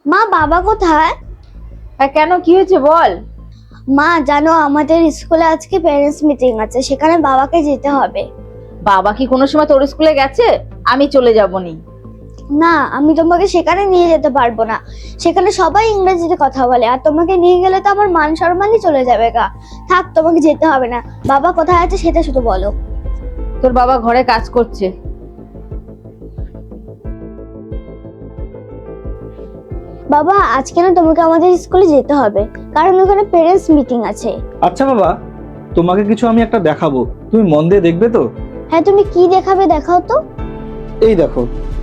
মা, বাবা কোথায়? কেন, কি হয়েছে বল। মা জানো, আমাদের স্কুলে আজকে প্যারেন্টস মিটিং আছে, সেখানে বাবাকে যেতে হবে। বাবা কি কোনো সময় তোর স্কুলে গেছে? আমি চলে যাবনি। না, আমি তোমাকে সেখানে নিয়ে যেতে পারবো না। সেখানে সবাই ইংরেজিতে কথা বলে, আর তোমাকে নিয়ে গেলে তো আমার মান সম্মানই চলে যাবে গা। থাক, তোমাকে যেতে হবে না। বাবা কোথায় আছে সেটা শুধু বলো। তোর বাবা ঘরে কাজ করছে। বাবা, আজকে না তোমাকে আমাদের স্কুলে যেতে হবে, কারণ ওখানে প্যারেন্টস মিটিং আছে। আচ্ছা বাবা, তোমাকে কিছু আমি একটা দেখাবো, তুমি মন দিয়ে দেখবে তো? হ্যাঁ, তুমি কি দেখাবে দেখাও তো। এই দেখো,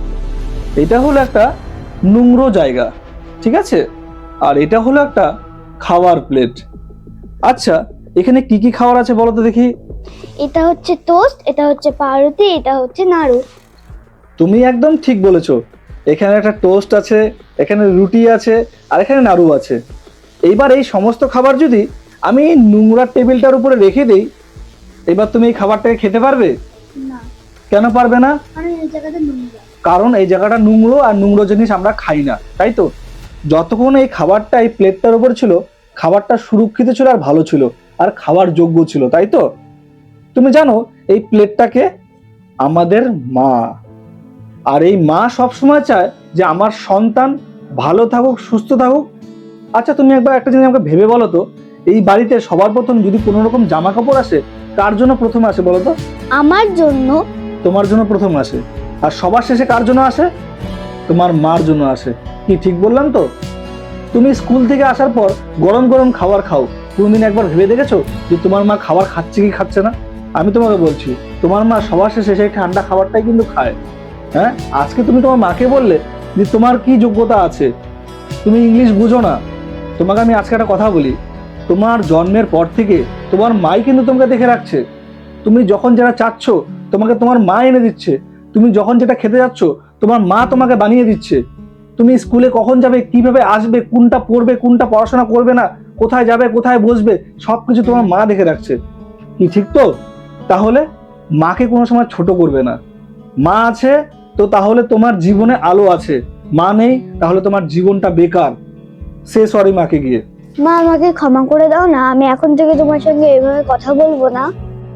এটা হলো একটা নোংরো জায়গা, ঠিক আছে? আর এটা হলো একটা খাওয়ার প্লেট। আচ্ছা, এখানে কি কি খাবার আছে বলো তো দেখি। এটা হচ্ছে টোস্ট, এটা হচ্ছে পাউরুটি, এটা হচ্ছে নাড়ু। তুমি একদম ঠিক বলেছো। এখানে একটা টোস্ট আছে, এখানে রুটি আছে, আর এখানে নাড়ু আছে। এইবার এই সমস্ত খাবার যদি আমি এই নোংরা টেবিলটার উপরে রেখে দিই, এবার তুমি এই খাবারটাকে খেতে পারবে? না, কেন পারবে না? কারণ এই জায়গাটা নোংরা। কারণ এই জায়গাটা নোংরো, আর নোংরো জিনিস আমরা খাই না, তাই তো? যতক্ষণ এই খাবারটা এই প্লেটটার উপর ছিল, খাবারটা সুরক্ষিত ছিল আর ভালো ছিল আর খাওয়ার যোগ্য ছিল, তাই তো? তুমি জানো এই প্লেটটাকে আমাদের মা, আর এই মা সবসময় চায় যে আমার সন্তান ভালো থাকুক, সুস্থ থাকুক। আচ্ছা, তুমি একবার একটা জিনিস আমাকে ভেবে বলো তো, এই বাড়িতে সবার প্রথম যদি কোনো রকম জামা কাপড় আসে, কার জন্য প্রথম আসে বলো তো? আমার জন্য। তোমার জন্য প্রথম আসে। আর সবার শেষে কার জন্য আসে? তোমার মার জন্য আসে। কি ঠিক বললাম তো? তুমি স্কুল থেকে আসার পর গরম গরম খাবার খাও, কোনদিন একবার ভেবে দেখেছো যে তোমার মা খাবার খাচ্ছে কি খাচ্ছে না? আমি তোমাকে বলছি, তোমার মা সবার শেষে সেই ঠান্ডা খাবারটাই কিন্তু খায়। হ্যাঁ, আজকে তুমি তোমার মাকে বললে যে তোমার কি যোগ্যতা আছে, তুমি ইংলিশ বুঝো না। তোমাকে আমি আজকে একটা কথা বলি, তোমার জন্মের পর থেকে তোমার মাই কিন্তু তোমাকে দেখে রাখছে। তুমি যখন যেটা চাচ্ছ তোমাকে তোমার মা এনে দিচ্ছে, তুমি যখন যেটা খেতে যাচ্ছ তোমার মা তোমাকে বানিয়ে দিচ্ছে। তুমি স্কুলে কখন যাবে, কিভাবে আসবে, কোনটা পড়বে, কোনটা পড়াশোনা করবে না, কোথায় যাবে, কোথায় বসবে, সবকিছু তোমার মা দেখে রাখছে। কি ঠিক তো? তাহলে মাকে কোনো সময় ছোট করবে না। মা আছে তো তাহলে তোমার জীবনে আলো আছে, মা নেই তাহলে তোমার জীবনটা বেকার। সে সরি মাকে গিয়ে। মা, আমাকে ক্ষমা করে দাও না, আমি এখন থেকে তোমার সঙ্গে এভাবে কথা বলবো না।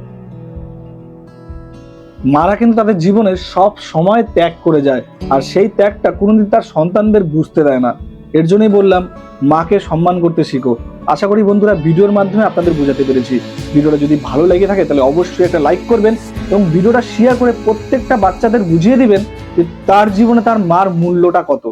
মারা কিন্তু তাদের জীবনে সব সময় ত্যাগ করে যায়, আর সেই ত্যাগটা কোনোদিন তার সন্তানদের বুঝতে দেয় না। এর জন্যই বললাম, মাকে সম্মান করতে শিখো। আশা করি বন্ধুরা ভিডিওর মাধ্যমে আপনাদের বোঝাতে পেরেছি। ভিডিওটা যদি ভালো লেগে থাকে তাহলে অবশ্যই একটা লাইক করবেন এবং ভিডিওটা শেয়ার করে প্রত্যেকটা বাচ্চাদের বুঝিয়ে দিবেন যে তার জীবনে তার মার মূল্যটা কত।